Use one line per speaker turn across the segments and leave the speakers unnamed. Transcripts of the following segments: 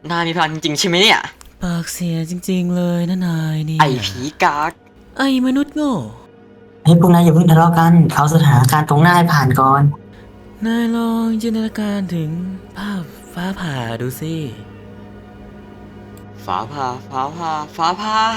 นายมีพลังจริงๆใช่ไหมเนี่ย
ปากเสียจริงๆเลยนะนายนี่
ไอ้ผีกาก
ไอ้มนุษย์โง่
เฮ้ยพวกนายอย่าเพิ่งทะเลาะกันเอาสถานการณ์ตรงหน้าให้ผ่านก่อน
นายลองจินตนาการถึงภาพฟ้าผ่าดูสิ
ฟ้าผ่าฟ้าผ่าฟ้าผ่า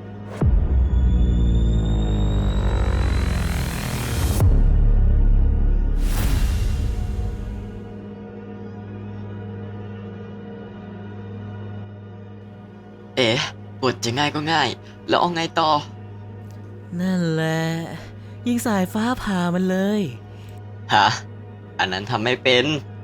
เอ๊ะบทจะง่ายก็ง่ายแล้วเอาไงต่อ
นั่นแหละยิงสายฟ้าผ่ามันเลย
ฮะอันนั้นทำไม่เป็น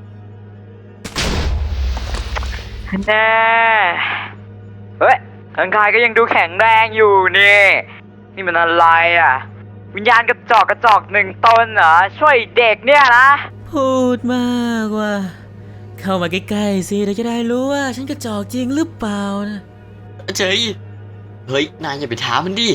แน่เฮ้ยร่างกายก็ยังดูแข็งแรงอยู่นี่มันอะไรอ่ะ วิญญาณกระจอกหนึ่งตนเหรอ ช่วยเด็กเนี่ยนะ
พูดมากว่า เข้ามาใกล้ๆสิเราจะได้รู้ว่าฉันกระจอกจริงหรือเปล่านะ
เฉยเฮ้ยนายอย่าไปท้ามันดิ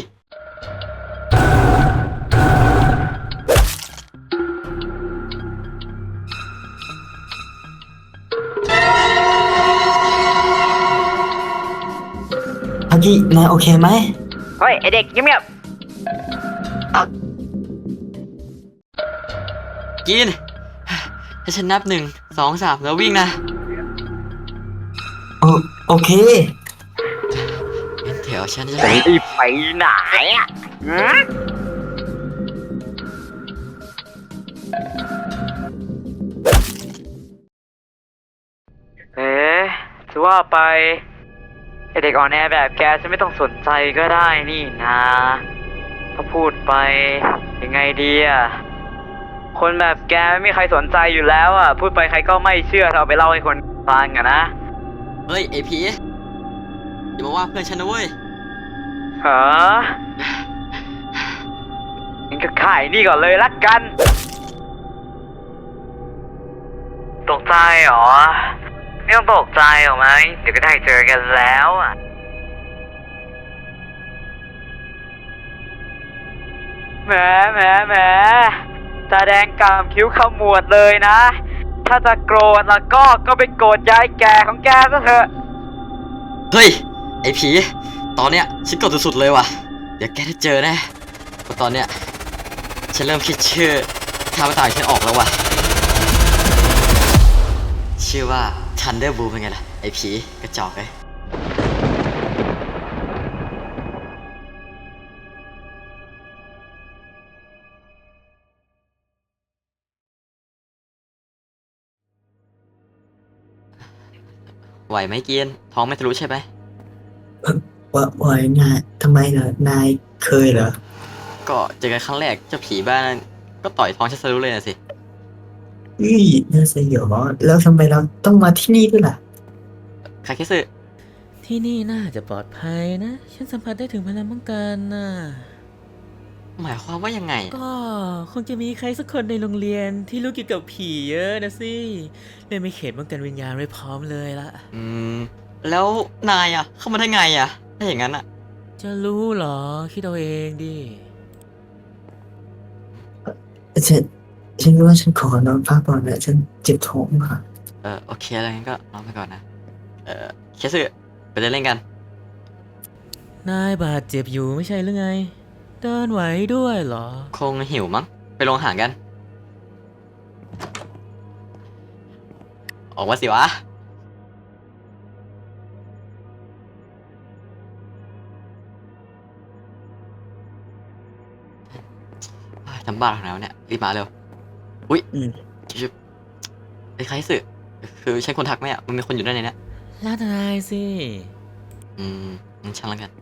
พักกี้นายโอเคไหม
เฮ้ย ไอเด็กเงียบ
กินถ้าฉันนับ1 2 3แล้ววิ่งนะ
โอเค
งั้นเดี๋ยวฉันจะ
ๆรีบไปไหนอ่ะหืมเอ๊ะจะว่าไปไอเด็กอ่อนแอแบบแกฉันไม่ต้องสนใจก็ได้นี่นะถ้าพูดไปยังไงดีอ่ะ คนแบบแกไม่มีใครสนใจอยู่แล้วอ่ะ พูดไปใครก็ไม่เชื่อถ้าเอาไปเล่าให้คนฟังอ่ะนะ
เฮ้ยไอผีอย่ามาว่าเพื่อนฉันนะเว้ย
ฮะงั้นก็ขายนี่ก่อนเลยละกัน ตกใจเหรอ ไม่ต้องตกใจหรอกไหม เดี๋ยวก็ได้เจอกันแล้วอ่ะแหมตาแดงกำคิ้วขมวดเลยนะ ถ้าจะโกรธแล้วก็ไปโกรธยายแก่ของแกซะเถอะ
เฮ้ยไอผีตอนเนี้ยฉันกดสุดๆเลยว่ะเดี๋ยวแกได้เจอแน่เพราะตอนเนี้ยฉันเริ่มคิดชื่อข้าพเจ้าของฉันออกแล้วว่ะชื่อว่า Thunderbolt เป็นไงล่ะไอผีกระจอกเลยไหวไหมเกียนท้องไม่ทะลุใช่ไหม
ว่านายทำไมเหรอนายเคยเหรอ
ก็เจอกันครั้งแรกเจ้าผีบ้านนั้นก็ต่อยท้องฉันทะลุเลยนะสิ
น่าสยองแล้วทำไมเราต้องมาที่นี่ด้วยล่ะ
คาเคสึ
ที่นี่น่าจะปลอดภัยนะ ฉันสัมผัสได้ถึงพลังป้องกันนะ
หมายความว่ายังไง
ก็คงจะมีใครสักคนในโรงเรียนที่รู้เกี่ยวกับผีเยอะนะสิเลยไม่เขตป้องกันวิญญาณไว้พร้อมเลยละ
อืม แล้วนายอ่ะ เข้ามาได้ไงอ่ะ ถ้าอย่างนั้นอ่ะ
จะรู้เหรอ คิดเอาเองดิ
ฉันว่าฉันขอนอนพักก่อนนะฉันเจ็บท้องค่ะ
โอเคอะไรงั้นก็นอนไปก่อนนะ เคสึไปเดินเล่นกัน
นายบาดเจ็บอยู่ไม่ใช่หรือไง เดินไหวด้วยเหรอ
คงหิวมั้ง ไปลงอาหารกัน ออกมาสิวะ ทำบ้าของเราเนี่ยรีบมาเร็ว อุ้ย
อืม
ชิบไอ้ใครสึคือใช่คนทักไหมอ่ะ มันมีคนอยู่ด้านในเนี้ย
แล้วนายสิ
งั้นช่างแล้วกัน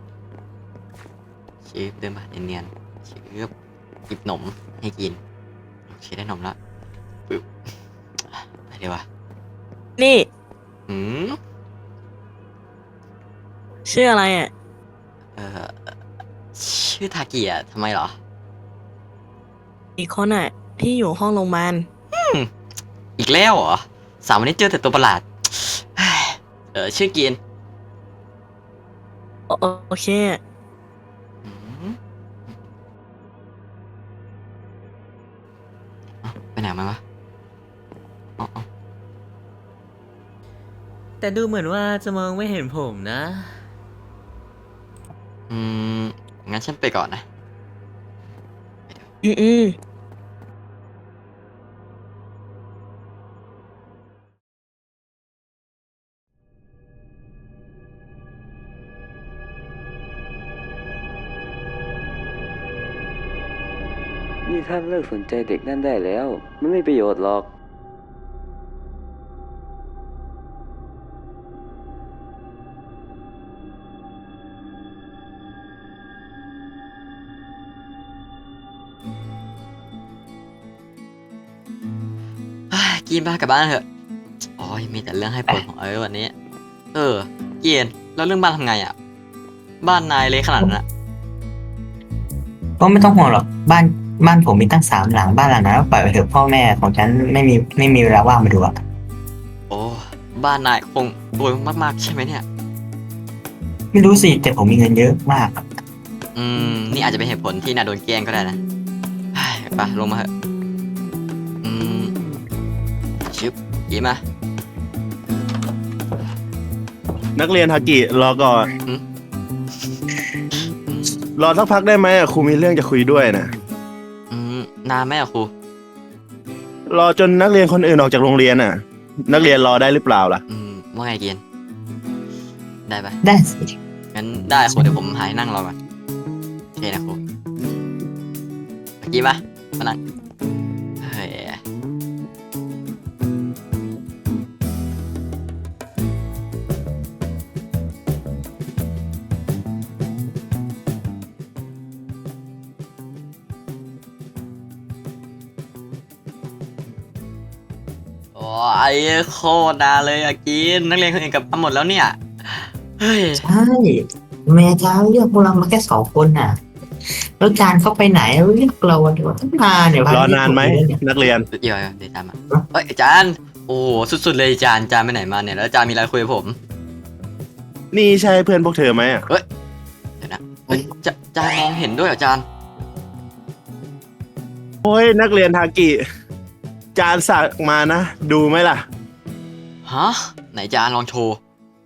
ชิบเดินมาเนียนๆชิบหยิบหนมให้กิน โอเคได้หนมละปึ๊บไปเดี๋ยววะ
นี่
อืม
ชื่ออะไรอ่ะ
เอ่อ ชื่อทากิอ่ะทำไมเหรอ
อีกคนอ่ะ ที่อยู่ห้องโรงพยาบาล
อีกแล้วเหรอ3 วันนี้เจอแต่ตัวประหลาด ชื่อกิน
โอเค
อืมเอ้าไปไหนมาวะอ๋อ
แต่ดูเหมือนว่าจะมองไม่เห็นผมนะ
อืม งั้นฉันไปก่อนนะ
อืม
นี่ท่านเลิกสนใจเด็กนั่นได้แล้ว มันไม่ประโยชน์หรอก
กินบ้ากลับบ้านเถอะโอ้ยมีแต่เรื่องให้ปวดหัวเลยวันนี้ เกียนแล้วเรื่องบ้านทำไงอ่ะ บ้านนายเละขนาดนั้นอะ
ก็ไม่ต้องห่วงหรอกบ้านผมมีตั้ง3 หลังบ้านหลังนั้นก็ปล่อยไปเถอะพ่อแม่ของฉันไม่มีเวลาว่างมาดูอะ
โอ้ บ้านนายคงรวยมากๆใช่ไหมเนี่ย
ไม่รู้สิแต่ผมมีเงินเยอะมาก
นี่อาจจะเป็นเหตุผลที่นายโดนแกล้งก็ได้นะเฮ้ยไปลงมาเถอะชิบยิ้มมา
นักเรียนฮากิรอก่อน
อืม
รอสักพักได้ไหมครูมีเรื่องจะคุยด้วยนะ
นานไหมอะครู
รอจนนักเรียนคนอื่นออกจากโรงเรียนน่ะ นักเรียนรอได้หรือเปล่าล่ะ
ว่าไงเกียนได้ปะ
ได้สิ
งั้นได้ครูเดี๋ยวผมหายนั่งรอก่อนโอเคนะครูเมื่อกี้มานั่งเฮ้ยโอ้ยโคตรนานเลยอะกินนักเรียนคนอื่นกลับมาหมดแล้วเนี่ย เฮ้ย
ใช่แม่จ้าเรียกพวกเรามาแค่2 คนน่ะแล้วจานเข้าไปไหนเรียกเราเดี๋ยวตั้งนานเดี๋ยว
รอนานไหมนักเรียน
เดี๋ยวตามมาเฮ้ยอาจารย์โอ้โหสุดๆเลยอาจารย์ไปไหนมาเนี่ยแล้วอาจารย์มีอะไรคุยกับผม
นี่ใช่เพื่อนพวกเธอไหมอ่ะ
เดี๋ยวนะเฮ้ยอาจารย์มองเห็นด้วยเหรออาจารย์
โอ้ยนักเรียนฮากิ จานสักมานะ ดูไหมล่ะ
ฮะไหนอาจารย์ลองโชว์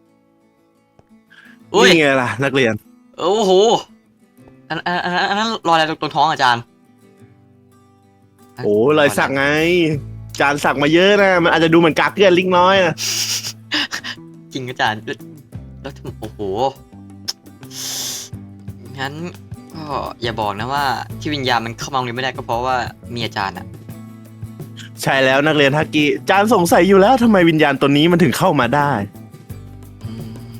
อุ้ย
นี่ไงล่ะ นักเรียน
โอ้โหอันนั้นรอยอะไรตรงท้องอาจารย์
โอ้รอยสักไง จานสักมาเยอะนะ มันอาจจะดูเหมือนกากเกลือนเล็กน้อยนะ
จริงอาจารย์แล้วโอ้โหงั้นก็อย่าบอกนะว่าที่วิญญาณมันเข้ามาโรงเรียนไม่ได้ก็เพราะว่ามีอาจารย์อะ
ใช่แล้วนักเรียนฮากิ จานสงสัยอยู่แล้วทำไมวิญญาณตัวนี้มันถึงเข้ามาได้
อืม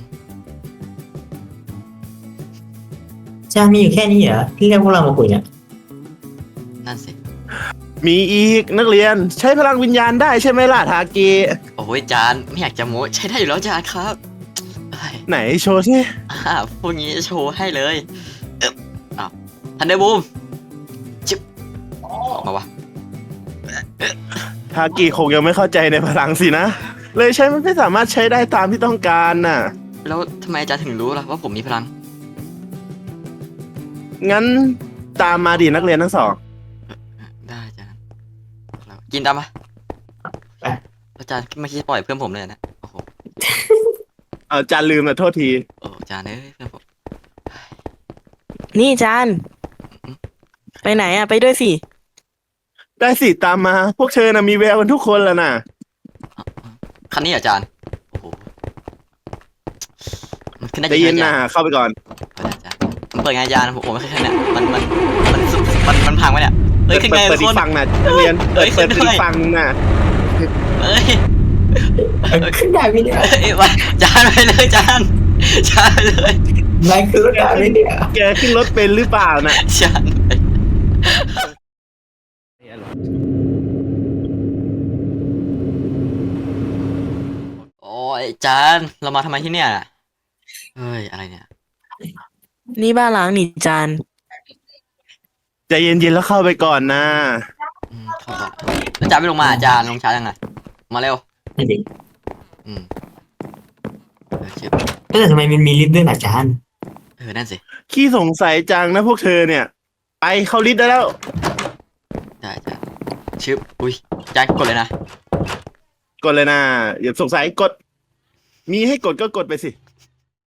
จานมีอยู่แค่นี้เหรอที่เรียกพวกเรามาคุยเนี่ย
นั่นสิ
มีอีกนักเรียนใช้พลังวิญญาณได้ใช่ไหมล่ะทากิ
โอ้ยอาจารย์ไม่อยากจะโม้ใช้ได้อยู่แล้วอาจารย์ครับเอ้ย
ไหนโชว์สิ
พวกนี้โชว์ให้เลยอ้าวทันเดอร์บูมจิ๊บออกมาวะ
ทากิคงยังไม่เข้าใจในพลังสินะ เลยใช้มันไม่สามารถใช้ได้ตามที่ต้องการน่ะ
แล้วทำไมอาจารย์ถึงรู้ล่ะว่าผมมีพลัง
งั้นตามมาดินักเรียนทั้งสอง
ได้อาจารย์แล้วกินตามมาอาจารย์ไม่คิดจะปล่อยเพื่อนผมเลยนะโอ้โห
เอาจานลืมนะโทษที
โอ้อาจารย์เอ้ยเพื่อนผม
นี่จาน ไปไหนอ่ะ ไปด้วยสิ
ได้สิตามมา พวกเธอน่ะมีแววกันทุกคนแล้วน่ะ
คันนี้เหรออาจารย์โอ้โหมันขึ้นได้
ได้
จริง
ยิน
ไหม
นะ
อาจารย์
เข้าไปก่อน
เปิดอาจารย์มันเปิดไงอาจารย์ผมไม่เคยเห็นเนี่ยมันพังไหมเนี่ยเฮ้ยขึ้นไง
เปิด
ทุ
อี
กค
ก
น
ฝั่งน่ะนักเรียน
เอ้ย
เปิด
ขึ้นด้วย
อีกฝั่งน่ะ
เอ้ย
ขึ้นได้ไหมเนี่ย
เอ้ยไปอาจารย์ไปเลยอาจารย์อาจารย์ไปเลย
นายขึ้นได้ไหมเนี่ย
แกขึ้นรถเป็นหรือเปล่าน่ะ
อาจารย์ไปโอ้ยอาจารย์เรามาทำไมที่เนี่ยเฮ้ยอะไรเนี่ย
นี่บ้านล้างนี่จาน
ใจเย็นๆแล้วเข้าไปก่อนนะ
เข้าก่อนแล้วอาจารย์ไม่ลงมาอาจารย์ลงช้ายังไงมาเร็ว
นั่นดิ
อืมเชื่อ
แต่ทำไมมันมีลิฟต์ด้วยล่ะจาน
นั่นสิ
ขี้สงสัยจังนะพวกเธอเนี่ย ไปเข้าลิฟต์ได้แล้ว
ได้อาจารย์ชื่ออุ้ยอาจารย์กดเลยนะ
กดเลยนะอย่าสงสัยกดมีให้กดก็กดไปสิ